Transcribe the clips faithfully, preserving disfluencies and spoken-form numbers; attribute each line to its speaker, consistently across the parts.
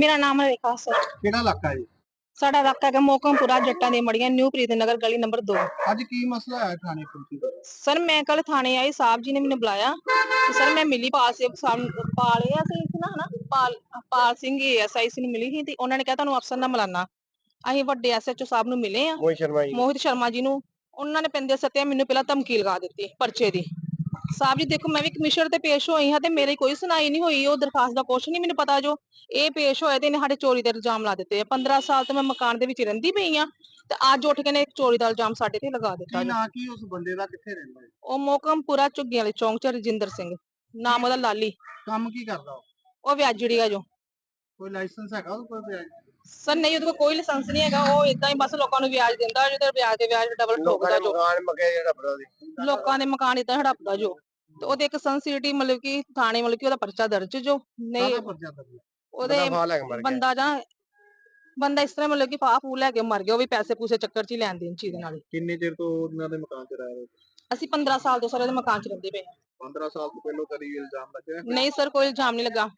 Speaker 1: मेरा नाम है रेखा सर।
Speaker 2: ਕਿਹੜਾ ਇਲਾਕਾ ਹੈ?
Speaker 1: साडा इलाका है मोकमपुरा जट्टां दी मड़ियां न्यू प्रीतनगर गली नंबर दो।
Speaker 2: ਅੱਜ ਕੀ ਮਸਲਾ ਹੈ ਥਾਣੇ ਪੁਲਿਸ ਦਾ?
Speaker 1: सर मैं कल थाने आई, साहब जी ने मैंने बुलाया तो सर मैं मिली पाल से पाल एएसआई सी ना है ना पाल पाल सिंह एएसआई सी मिली थी। उन्होंने कहा ਤੁਹਾਨੂੰ ਅਫਸਰ ਨਾਲ ਮਿਲਾਨਾ। ਅਸੀਂ ਵੱਡੇ ਐਸਐਚਓ ਸਾਹਿਬ ਨੂੰ ਮਿਲੇ ਆ,
Speaker 2: ਮੋਹਿਤ ਸ਼ਰਮਾ ਜੀ
Speaker 1: ਮੋਹਿਤ ਸ਼ਰਮਾ ਜੀ ਨੂੰ। ਉਹਨਾਂ ਨੇ ਪੈਂਦੇ ਸੱਤੇ ਮੈਨੂੰ ਪਹਿਲਾਂ ਧਮਕੀ ਲਗਾ ਦਿੱਤੀ ਪਰਚੇ ਦੀ। ਸਾਹਿਬ ਜੀ ਦੇਖੋ ਮੈਂ ਵੀ ਕਮਿਸ਼ਨਰ ਤੇ ਪੇਸ਼ ਹੋਈ ਹਾਂ ਤੇ ਮੇਰੀ ਕੋਈ ਸੁਣਾਈ ਨਹੀਂ ਹੋਈ, ਉਹ ਦਰਖਾਸਤ ਦਾ ਕੁਛ ਨਹੀਂ ਮੈਨੂੰ ਪਤਾ। ਜੋ ਇਹ ਪੇਸ਼ ਹੋਏ ਤੇ ਇਹਨੇ ਸਾਡੇ ਚੋਰੀ ਦੇ ਇਲਜ਼ਾਮ ਲਾ ਦਿੱਤੇ ਆ। ਪੰਦਰਾਂ ਸਾਲ ਤੋਂ ਮੈਂ ਮਕਾਨ ਦੇ ਵਿੱਚ ਰਹਿੰਦੀ ਪਈ ਆ ਤੇ ਅੱਜ ਉੱਠ ਕੇ ਨੇ ਚੋਰੀ ਦਾ ਇਲਜ਼ਾਮ ਸਾਡੇ ਤੇ ਲਗਾ ਦਿੱਤਾ।
Speaker 2: ਕੀ ਨਾਂ ਕੀ ਉਸ ਬੰਦੇ ਦਾ, ਕਿੱਥੇ ਰਹਿੰਦਾ ਹੈ?
Speaker 1: ਉਹ ਮੋਕਮਪੁਰਾ ਝੁੱਗੀਆਂ ਵਾਲੇ ਚੌਂਕ ਚ ਰਜਿੰਦਰ ਸਿੰਘ ਨਾਮ ਉਹਦਾ, ਲਾਲੀ।
Speaker 2: ਕੰਮ ਕੀ ਕਰਦਾ ਉਹ?
Speaker 1: ਉਹ ਵਿਆਜੜੀ ਆ। ਜੋ
Speaker 2: ਕੋਈ ਲਾਇਸੈਂਸ ਹੈਗਾ ਉਹ ਕੋਈ ਵਿਆਜ?
Speaker 1: ਸਰ ਨਹੀਂ, ਉਹਦੇ ਕੋਲ ਕੋਈ ਲਾਇਸੈਂਸ ਨਹੀਂ ਹੈਗਾ। ਉਹ ਇਦਾਂ ਹੀ ਬਸ ਲੋਕਾਂ ਨੂੰ ਵਿਆਜ ਦਿੰਦਾ, ਜਿਹਦੇ ਵਿਆਜ ਤੇ ਵਿਆਜ ਡਬਲ ਠੋਕਦਾ। ਜੋ
Speaker 2: ਮਕਾਨ ਮਗੇ ਜਿਹੜਾ ਬੜਾ ਦੀ
Speaker 1: ਲੋਕਾਂ ਦੇ ਮਕਾਨ ਇਦਾਂ ਹੜਪਦਾ ਜੋ। ਤੇ ਉਹਦੇ ਇੱਕ ਸੰਸਿਟੀ ਮਤਲਬ ਕਿ ਥਾਣੇ ਮਤਲਬ ਕਿ ਉਹਦਾ ਪਰਚਾ ਦਰਜ ਜੋ ਨਹੀਂ ਉਹਦੇ ਬੰਦਾ ਜਾਂ ਬੰਦਾ ਇਸ ਤਰ੍ਹਾਂ ਮਤਲਬ ਕਿ ਫਾਹ ਫੂ ਲੈ ਕੇ ਮਰ ਗਿਆ। ਉਹ ਵੀ ਪੈਸੇ ਪੂਸੇ ਚੱਕਰ 'ਚ ਹੀ ਲੈਣ ਦੇਣ ਚੀਜ਼ ਨਾਲ।
Speaker 2: ਕਿੰਨੇ ਚਿਰ ਤੋਂ ਉਹਨਾਂ ਦੇ ਮਕਾਨ 'ਚ ਰਹਿ ਰਹੇ?
Speaker 1: ਅਸੀਂ ਪੰਦਰਾਂ ਸਾਲ ਤੋਂ ਸਰ ਉਹਦੇ ਮਕਾਨ 'ਚ ਰਹਿੰਦੇ ਪਏ।
Speaker 2: ਪੰਦਰਾਂ ਸਾਲ ਤੋਂ ਪਹਿਲਾਂ ਕਦੀ ਇਲਜ਼ਾਮ ਲੱਗਿਆ?
Speaker 1: ਨਹੀਂ ਸਰ, ਕੋਈ ਇਲਜ਼ਾਮ ਨਹੀਂ ਲੱਗਾ।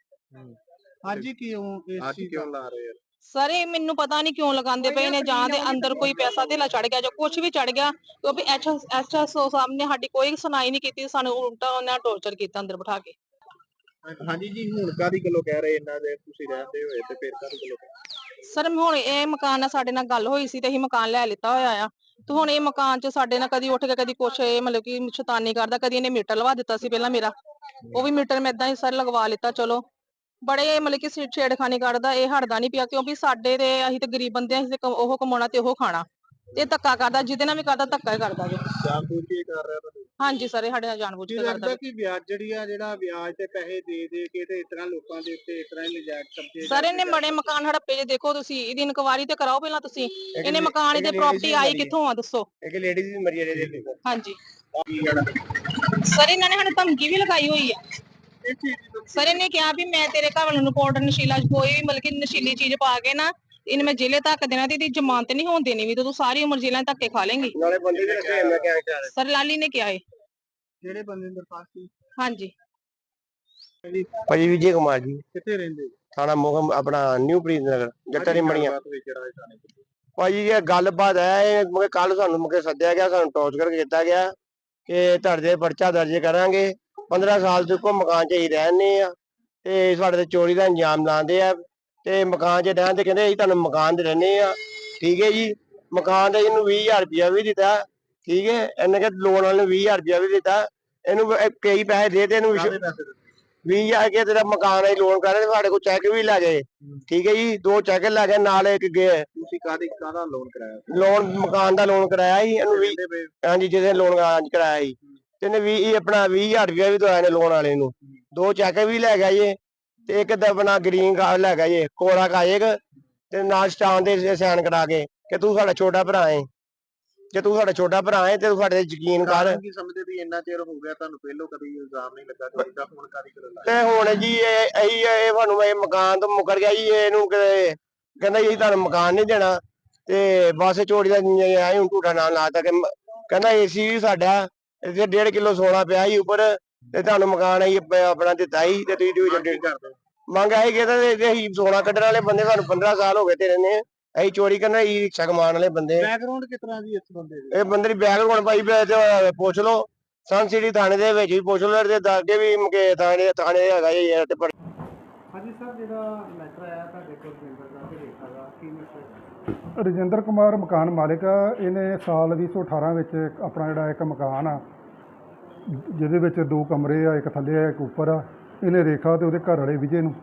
Speaker 2: ਅੱਜ ਹੀ ਕਿਉਂ ਇਸ ਚੀਜ਼ ਕਿਉਂ ਲਾ ਰਹੇ ਆ
Speaker 1: ਸਰ? ਇਹ ਮੈਨੂੰ ਪਤਾ ਨਹੀਂ ਕਿਉਂ ਲਗਾਉਂਦੇ ਪਏ ਨੇ, ਜਾਂ ਦੇ ਅੰਦਰ ਕੋਈ ਪੈਸਾ ਧੇਲਾ ਚੜ ਗਿਆ ਜਾਂ ਕੁਝ ਵੀ ਚੜ ਗਿਆ। ਕਿਉਂਕਿ ਐਚਐਸਓ ਸਾਹਿਬ ਨੇ ਸਾਡੀ ਕੋਈ ਸੁਣਾਈ ਨਹੀਂ ਕੀਤੀ, ਸਾਨੂੰ ਉਲਟਾ ਉਹਨਾਂ ਟੌਰਚਰ ਕੀਤਾ ਅੰਦਰ ਬਿਠਾ ਕੇ।
Speaker 2: ਹਾਂਜੀ ਜੀ, ਹੁਣ ਕਾਦੀ ਗੱਲੋਂ ਕਹਿ ਰਹੇ ਇਹਨਾਂ ਦੇ ਤੁਸੀਂ ਰਹਿੰਦੇ ਹੋਏ ਤੇ ਫਿਰ ਕਾਦੀ ਗੱਲੋਂ?
Speaker 1: ਸਰ ਹੁਣ ਇਹ ਮਕਾਨ ਨਾਲ ਸਾਡੇ ਨਾਲ ਗੱਲ ਹੋਈ ਸੀ ਤੇ ਅਸੀਂ ਮਕਾਨ ਲੈ ਲਿੱਤਾ ਹੋਇਆ ਆ। ਤੇ ਹੁਣ ਇਹ ਮਕਾਨ 'ਚ ਸਾਡੇ ਨਾਲ ਕਦੀ ਉੱਠ ਕੇ ਕਦੀ ਕੁਛ ਇਹ ਮਤਲਬ ਕਿ ਸ਼ੈਤਾਨੀ ਕਰਦਾ। ਕਦੀ ਇਹਨੇ ਮੀਟਰ ਲਵਾ ਦਿੱਤਾ ਸੀ ਪਹਿਲਾਂ ਮੇਰਾ, ਉਹ ਵੀ ਮੀਟਰ ਮੈਂ ਏਦਾਂ ਹੀ ਸਰ ਲਗਵਾ ਲਿੱਤਾ। ਚਲੋ ਬੜੇ ਮਤਲਬ ਕਿ ਛੇੜਖਾਨੀ ਕਰਦਾ, ਇਹ ਹਟਦਾ ਨਹੀਂ ਪਿਆ। ਕਿਉਂਕਿ ਸਾਡੇ ਤੇ ਅਸੀਂ ਤੇ ਗਰੀਬ ਬੰਦੇ, ਅਸੀਂ ਤੇ ਉਹ ਕਮਾਉਣਾ ਤੇ ਉਹ ਖਾਣਾ। ਤੇ ਧੱਕਾ ਕਰਦਾ, ਜਿਹਦੇ ਨਾਲ ਵੀ ਕਰਦਾ ਧੱਕਾ ਹੀ ਕਰਦਾ ਜੀ।
Speaker 2: ਜਾਣਬੁੱਝ ਕੇ ਕਰ ਰਿਹਾ ਤੁਹਾਨੂੰ?
Speaker 1: ਹਾਂਜੀ ਸਰ, ਇਹ ਸਾਡੇ ਨਾਲ ਜਾਣਬੁੱਝ ਕੇ ਕਰਦਾ।
Speaker 2: ਲੱਗਦਾ ਕਿ ਵਿਆਜ ਜਿਹੜੀ ਆ ਜਿਹੜਾ ਵਿਆਜ ਤੇ ਪੈਸੇ ਦੇ ਦੇ ਕੇ ਤੇ ਇਸ ਤਰ੍ਹਾਂ ਲੋਕਾਂ ਦੇ ਉੱਤੇ ਇਸ ਤਰ੍ਹਾਂ ਹੀ ਨਜਾਇਜ਼ ਕਬਜ਼ੇ
Speaker 1: ਸਰ ਇਹਨੇ ਬੜੇ ਮਕਾਨ ਹੜੱਪੇ ਜੇ। ਦੇਖੋ ਤੁਸੀਂ ਇਹਦੀ ਇਨਕੁਆਇਰੀ ਤੇ ਕਰਾਓ ਪਹਿਲਾਂ ਤੁਸੀਂ। ਇਹਨੇ ਮਕਾਨ ਇਹਦੇ ਪ੍ਰਾਪਰਟੀ ਆਈ ਕਿੱਥੋਂ ਆ ਦੱਸੋ?
Speaker 2: ਇੱਕ ਲੇਡੀਜ਼ ਵੀ ਮਰੀ ਹੈ ਇਹਦੇ।
Speaker 1: ਹਾਂਜੀ ਸਰ, ਇਹਨਾਂ ਨੇ ਸਾਨੂੰ ਧਮਕੀ ਵੀ ਲਗਾਈ ਹੋਈ ਆ। ਸਰ ਇਹਨੇ ਕਿਹਾ ਵੀ ਮੈਂ ਤੇਰੇ ਘਰ ਵਾਲੇ ਨੂੰ ਪਾਊਡਰ ਨਸ਼ੀਲਾ ਕੋਈ ਵੀ ਮਤਲਬ ਕਿ ਨਸ਼ੀਲੀ ਚੀਜ਼ ਪਾ ਕੇ ਨਾ ਇਹਨੇ ਮੈਂ ਜੇਲੇ ਤੱਕ ਦੇਣਾ ਤੇ ਇਹਦੀ ਜ਼ਮਾਨਤ ਨਹੀਂ ਹੋਣ ਦੇਣੀ ਵੀ ਤੇ ਤੂੰ ਸਾਰੀ ਉਮਰ ਜੇਲਾਂ ਧੱਕੇ ਖਾ ਲੇਂਗੀ।
Speaker 2: ਨਾਲੇ ਬੰਦੇ ਦੇ ਰੱਖੇ ਮੈਂ ਕਿਹਾ
Speaker 1: ਸਰ ਲਾਲੀ ਨੇ ਕਿਹਾ ਏ।
Speaker 2: ਜਿਹੜੇ ਬੰਦੇ ਨੇ ਦਰਖਾਸਤ ਕੀਤੀ?
Speaker 1: ਹਾਂਜੀ
Speaker 2: ਭਾਜੀ ਵਿਜੇ ਕੁਮਾਰ ਜੀ। ਕਿੱਥੇ ਰਹਿੰਦੇ? ਥਾਣਾ ਮੋਹਮ ਆਪਣਾ ਨਿਊ ਪ੍ਰੀਤਨਗਰ ਜੱਟਾਂ ਦੀ ਮੜੀਆਂ। ਭਾਜੀ ਇਹ ਗੱਲਬਾਤ ਹੈ, ਇਹ ਕੱਲ ਸਾਨੂੰ ਮੁਕੇ ਸੱਦਿਆ ਗਿਆ, ਸਾਨੂੰ ਟੌਰਚਰ ਕੀਤਾ ਗਿਆ ਕਿ ਤੁਹਾਡੇ ਪਰਚਾ ਦਰਜ ਕਰਾਂਗੇ। ਪੰਦਰਾਂ ਸਾਲ ਤੋਂ ਇੱਕੋ ਮਕਾਨ 'ਚ ਹੀ ਰਹਿੰਦੇ ਆ ਤੇ ਸਾਡੇ ਤੇ ਚੋਰੀ ਦਾ ਇੰਜਾਮ ਲਾਉਂਦੇ ਆ ਤੇ ਮਕਾਨ 'ਚ ਰਹਿਣ ਤੇ ਕਹਿੰਦੇ ਅਸੀਂ ਤੁਹਾਨੂੰ ਮਕਾਨ 'ਚ ਰਹਿੰਦੇ ਆ। ਠੀਕ ਹੈ ਜੀ, ਮਕਾਨ ਦਾ ਇਹਨੂੰ ਵੀਹ ਹਜ਼ਾਰ ਰੁਪਇਆ ਵੀ ਦਿੱਤਾ। ਠੀਕ ਹੈ, ਇਹਨੇ ਕਿ ਲੋਨ ਵਾਲੇ ਨੂੰ ਵੀਹ ਹਜ਼ਾਰ ਰੁਪਇਆ ਵੀ ਦਿੱਤਾ। ਇਹਨੂੰ ਕਈ ਪੈਸੇ ਦੇ ਤੇ ਇਹਨੂੰ ਵੀਹ ਹਜ਼ਾਰ ਕੇ ਤੇਰਾ ਮਕਾਨ ਅਸੀਂ ਲੋਨ ਕਰ ਰਹੇ, ਸਾਡੇ ਕੋਲ ਚੈੱਕ ਵੀ ਲੈ ਗਏ। ਠੀਕ ਹੈ ਜੀ, ਦੋ ਚੈੱਕ ਲੈ ਗਏ ਨਾਲ ਇੱਕ ਗਏ। ਤੁਸੀਂ ਕਾਹਦੀ ਕਾਹਦਾ ਲੋਨ ਕਰਾਇਆ? ਲੋਨ ਮਕਾਨ ਦਾ ਲੋਨ ਕਰਾਇਆ ਸੀ ਇਹਨੂੰ ਵੀ। ਹਾਂਜੀ, ਜਿਹਦੇ ਲੋਨ ਕਰਾਇਆ ਸੀ ਤੇ ਇਹਨੇ ਵੀਹ ਆਪਣਾ ਵੀਹ ਹਜ਼ਾਰ ਰੁਪਇਆ ਵੀ ਦਵਾਇਆ ਨੇ ਲੋਨ ਵਾਲੇ ਨੂੰ। ਦੋ ਚੈੱਕ ਵੀ ਲੈ ਗਿਆ ਜੀ ਤੇ ਇੱਕ ਤਾਂ ਆਪਣਾ ਗ੍ਰੀਨ ਕਾਰਡ ਲੈ ਗਿਆ ਜੀ, ਕੋਰਾ ਕਾਗਜ਼ ਤੇ ਨਾਲ ਸਟਾਮ ਦੇ ਸਾਈਨ ਕਰਾ ਕੇ ਕਿ ਤੂੰ ਸਾਡਾ ਛੋਟਾ ਭਰਾ ਹੈ। ਜੇ ਤੂੰ ਸਾਡਾ ਛੋਟਾ ਭਰਾ ਹੈ ਤੇ ਤੂੰ ਸਾਡੇ ਤੇ ਯਕੀਨ ਕਰ। ਕੀ ਸਮਝਦੇ ਵੀ ਇੰਨਾ ਚਿਰ ਹੋ ਗਿਆ ਤੁਹਾਨੂੰ ਪਹਿਲੋਂ ਕਦੀ ਇਲਜ਼ਾਮ ਨਹੀਂ ਲੱਗਾ ਚੋਰੀ ਦਾ, ਹੁਣ ਕਾਦੀ ਗੱਲ? ਤੇ ਹੁਣ ਜੀ ਇਹ ਇਹੀ ਇਹ ਤੁਹਾਨੂੰ ਇਹ ਮਕਾਨ ਤੋਂ ਮੁਕਰ ਗਿਆ ਜੀ। ਇਹਨੂੰ ਕਹਿੰਦਾ ਜੀ ਤੁਹਾਨੂੰ ਮਕਾਨ ਨਹੀਂ ਦੇਣਾ ਤੇ ਬਸ ਚੋਰੀ ਦਾ ਆਏ ਹੁਣ ਝੂਠਾ ਨਾਮ ਲਾਤਾ ਕਿ ਕਹਿੰਦਾ ਏਸੀ ਵੀ ਸਾਡਾ ਇੱਥੇ ਡੇਢ ਕਿਲੋ ਸੋਨਾ ਪਿਆ ਸੀ ਉੱਪਰ ਤੇ ਤੁਹਾਨੂੰ ਮਕਾਨ ਅਸੀਂ ਆਪਣਾ ਦਿੱਤਾ ਸੀ ਤੇ ਤੁਸੀਂ ਮੰਗ ਆਈ ਕਿ ਅਸੀਂ ਸੋਨਾ ਕੱਢਣ ਵਾਲੇ ਬੰਦੇ, ਸਾਨੂੰ ਪੰਦਰਾਂ ਸਾਲ ਹੋ ਗਏ ਤੇ ਰਹਿੰਦੇ। ਅਸੀਂ ਚੋਰੀ ਕਰਨਾ ਹੀ ਰਿਕਸ਼ਾ ਕਮਾਉਣ ਵਾਲੇ ਬੰਦੇ। ਬੈਕਗ੍ਰਾਉਂਡ ਕਿਸ ਤਰ੍ਹਾਂ ਦੀ ਇਸ ਬੰਦੇ ਦੀ? ਇਹ ਬੰਦੇ ਦੀ ਬੈਕਗ੍ਰਾਉਂਡ ਭਾਈ ਪੁੱਛ ਲਓ, ਸਨ ਸਿਟੀ ਥਾਣੇ ਦੇ ਵਿੱਚ ਵੀ ਪੁੱਛ ਲਓ ਤੇ ਦੱਸਦੇ ਵੀ ਮੁਕੇ ਥਾਣੇ ਥਾਣੇ ਹੈਗਾ ਜੀ।
Speaker 3: ਹਾਂਜੀ ਸਰ, ਜਿਹੜਾ ਮੈਟਰ ਆਇਆ ਤੁਹਾਡੇ ਕੋਲ ਰਜਿੰਦਰ ਦਾ ਤੇ ਰੇਖਾ ਦਾ, ਕੀ ਮੈਟਰ? ਰਜਿੰਦਰ ਕੁਮਾਰ ਮਕਾਨ ਮਾਲਿਕ ਆ। ਇਹਨੇ ਸਾਲ ਵੀਹ ਸੌ ਅਠਾਰਾਂ ਵਿੱਚ ਆਪਣਾ ਜਿਹੜਾ ਇੱਕ ਮਕਾਨ ਆ ਜਿਹਦੇ ਵਿੱਚ ਦੋ ਕਮਰੇ ਆ, ਇੱਕ ਥੱਲੇ ਆ ਇੱਕ ਉੱਪਰ ਆ, ਇਹਨੇ ਰੇਖਾ ਤੇ ਉਹਦੇ ਘਰ ਵਾਲੇ ਵਿਜੇ ਨੂੰ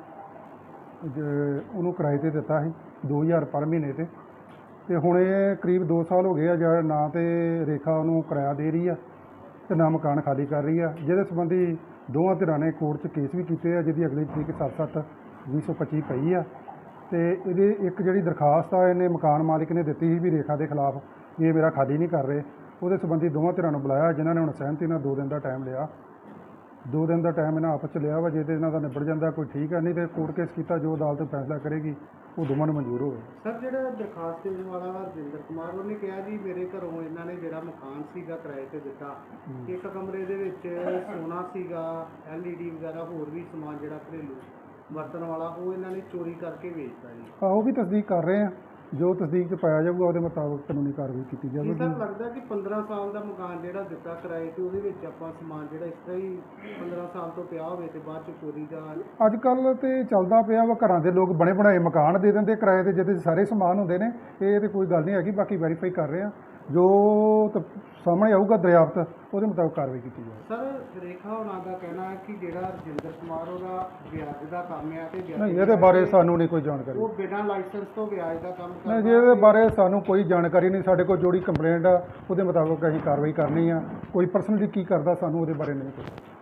Speaker 3: ਉਹਨੂੰ ਕਿਰਾਏ 'ਤੇ ਦਿੱਤਾ ਸੀ ਦੋ ਹਜ਼ਾਰ ਪਰ ਮਹੀਨੇ 'ਤੇ। ਅਤੇ ਹੁਣ ਇਹ ਕਰੀਬ ਦੋ ਸਾਲ ਹੋ ਗਏ ਆ ਜਿਹੜਾ ਨਾ ਤਾਂ ਰੇਖਾ ਉਹਨੂੰ ਕਿਰਾਇਆ ਦੇ ਰਹੀ ਆ ਅਤੇ ਨਾ ਮਕਾਨ ਖਾਲੀ ਕਰ ਰਹੀ ਆ, ਜਿਹਦੇ ਸੰਬੰਧੀ ਦੋਵਾਂ ਧਿਰਾਂ ਨੇ ਕੋਰਟ 'ਚ ਕੇਸ ਵੀ ਕੀਤੇ ਆ, ਜਿਹਦੀ ਅਗਲੀ ਤਰੀਕ ਸੱਤ ਸੱਤ ਵੀਹ ਸੌ ਪੱਚੀ ਪਈ ਆ। ਅਤੇ ਇਹਦੀ ਇੱਕ ਜਿਹੜੀ ਦਰਖਾਸਤ ਆ ਇਹਨੇ ਮਕਾਨ ਮਾਲਿਕ ਨੇ ਦਿੱਤੀ ਸੀ ਵੀ ਰੇਖਾ ਦੇ ਖਿਲਾਫ ਵੀ ਇਹ ਮੇਰਾ ਖਾਲੀ ਨਹੀਂ ਕਰ ਰਹੇ। ਉਹਦੇ ਸੰਬੰਧੀ ਦੋਵਾਂ ਧਿਰਾਂ ਨੂੰ ਬੁਲਾਇਆ, ਜਿਨ੍ਹਾਂ ਨੇ ਹੁਣ ਸਹਿਮਤੀ ਨਾਲ ਦੋ ਦਿਨ ਦਾ ਟਾਈਮ ਲਿਆ। ਦੋ ਦਿਨ ਦਾ ਟਾਈਮ ਇਹਨਾਂ ਆਪਸ 'ਚ ਲਿਆ ਵਾ। ਜੇ ਤਾਂ ਇਹਨਾਂ ਦਾ ਨਿਬੜ ਜਾਂਦਾ ਕੋਈ ਠੀਕ ਹੈ, ਨਹੀਂ ਤਾਂ ਕੋਰਟ ਕੇਸ ਕੀਤਾ, ਜੋ ਅਦਾਲਤ ਫੈਸਲਾ ਕਰੇਗੀ ਉਹ ਦੋਵਾਂ ਨੂੰ ਮਨਜ਼ੂਰ ਹੋਵੇ।
Speaker 4: ਸਰ, ਜਿਹੜਾ ਦਰਖਾਸਤ ਦੇਣ ਵਾਲਾ ਵਾ ਰਜਿੰਦਰ ਕੁਮਾਰ, ਉਹਨੇ ਕਿਹਾ ਜੀ ਮੇਰੇ ਘਰੋਂ ਇਹਨਾਂ ਨੇ ਜਿਹੜਾ ਮਕਾਨ ਸੀਗਾ ਕਿਰਾਏ 'ਤੇ ਦਿੱਤਾ, ਇੱਕ ਕਮਰੇ ਦੇ ਵਿੱਚ ਸੋਨਾ ਸੀਗਾ, ਐਲ ਈ ਡੀ ਵਗੈਰਾ ਹੋਰ ਵੀ ਸਮਾਨ ਜਿਹੜਾ ਘਰੇਲੂ, ਵਰਤਣ ਵਾਲਾ ਉਹ ਇਹਨਾਂ ਨੇ ਚੋਰੀ ਕਰਕੇ ਵੇਚਤਾ ਜੀ।
Speaker 3: ਆ ਉਹ ਵੀ ਤਸਦੀਕ ਕਰ ਰਹੇ ਆ, ਜੋ ਤਸਦੀਕ 'ਚ ਪਾਇਆ ਜਾਊਗਾ ਉਹਦੇ ਮੁਤਾਬਕ ਕਾਨੂੰਨੀ ਕਾਰਵਾਈ ਕੀਤੀ
Speaker 4: ਕੀ
Speaker 3: ਜਾਵੇਗੀ।
Speaker 4: ਸਰ ਲੱਗਦਾ ਕਿ ਪੰਦਰਾਂ ਸਾਲ ਦਾ ਮਕਾਨ ਜਿਹੜਾ ਦਿੱਤਾ ਕਿਰਾਏ ਤੇ ਉਹਦੇ ਵਿੱਚ ਆਪਾਂ ਸਮਾਨ ਜਿਹੜਾ ਇਸ ਤਰ੍ਹਾਂ ਹੀ ਪੰਦਰਾਂ ਸਾਲ ਤੋਂ ਪਿਆ ਹੋਵੇ ਤੇ ਬਾਅਦ ਚ ਚੋਰੀ ਦਾ
Speaker 3: ਅੱਜ ਕੱਲ੍ਹ ਤੇ ਚੱਲਦਾ ਪਿਆ ਵਾ, ਘਰਾਂ ਦੇ ਲੋਕ ਬਣੇ ਬਣਾਏ ਮਕਾਨ ਦੇ ਦਿੰਦੇ ਕਿਰਾਏ ਤੇ, ਜਿਹਦੇ 'ਚ ਸਾਰੇ ਸਮਾਨ ਹੁੰਦੇ ਨੇ। ਇਹ ਤੇ ਕੋਈ ਗੱਲ ਨਹੀਂ ਹੈਗੀ, ਬਾਕੀ ਵੈਰੀਫਾਈ ਕਰ ਰਹੇ ਆ, ਜੋ ਤ- ਸਾਹਮਣੇ ਆਊਗਾ ਦਰਿਆਫਤ ਉਹਦੇ ਮੁਤਾਬਕ ਕਾਰਵਾਈ ਕੀਤੀ ਜਾਵੇਗੀ।
Speaker 4: ਸਰ ਰੇਖਾ ਹੋਣਾ ਦਾ ਕਹਿਣਾ ਹੈ ਕਿ ਜਿਹੜਾ ਰਜਿੰਦਰ ਕੁਮਾਰ ਉਹਦਾ ਵਿਆਜ ਦਾ ਕੰਮ ਹੈ ਤੇ ਵਿਆਜ
Speaker 3: ਨਹੀਂ, ਇਹਦੇ ਬਾਰੇ ਸਾਨੂੰ ਨਹੀਂ ਕੋਈ ਜਾਣਕਾਰੀ।
Speaker 4: ਉਹ ਬਿਨਾਂ ਲਾਇਸੈਂਸ ਤੋਂ ਵਿਆਜ ਦਾ ਕੰਮ ਕਰਦਾ
Speaker 3: ਨਹੀਂ ਜੀ, ਇਹਦੇ ਬਾਰੇ ਸਾਨੂੰ ਕੋਈ ਜਾਣਕਾਰੀ ਨਹੀਂ। ਸਾਡੇ ਕੋਲ ਜਿਹੜੀ ਕੰਪਲੇਂਟ ਆ ਉਹਦੇ ਮੁਤਾਬਕ ਅਸੀਂ ਕਾਰਵਾਈ ਕਰਨੀ ਆ। ਕੋਈ ਪਰਸਨਲੀ ਕੀ ਕਰਦਾ ਸਾਨੂੰ ਉਹਦੇ ਬਾਰੇ ਨਹੀਂ ਪਤਾ।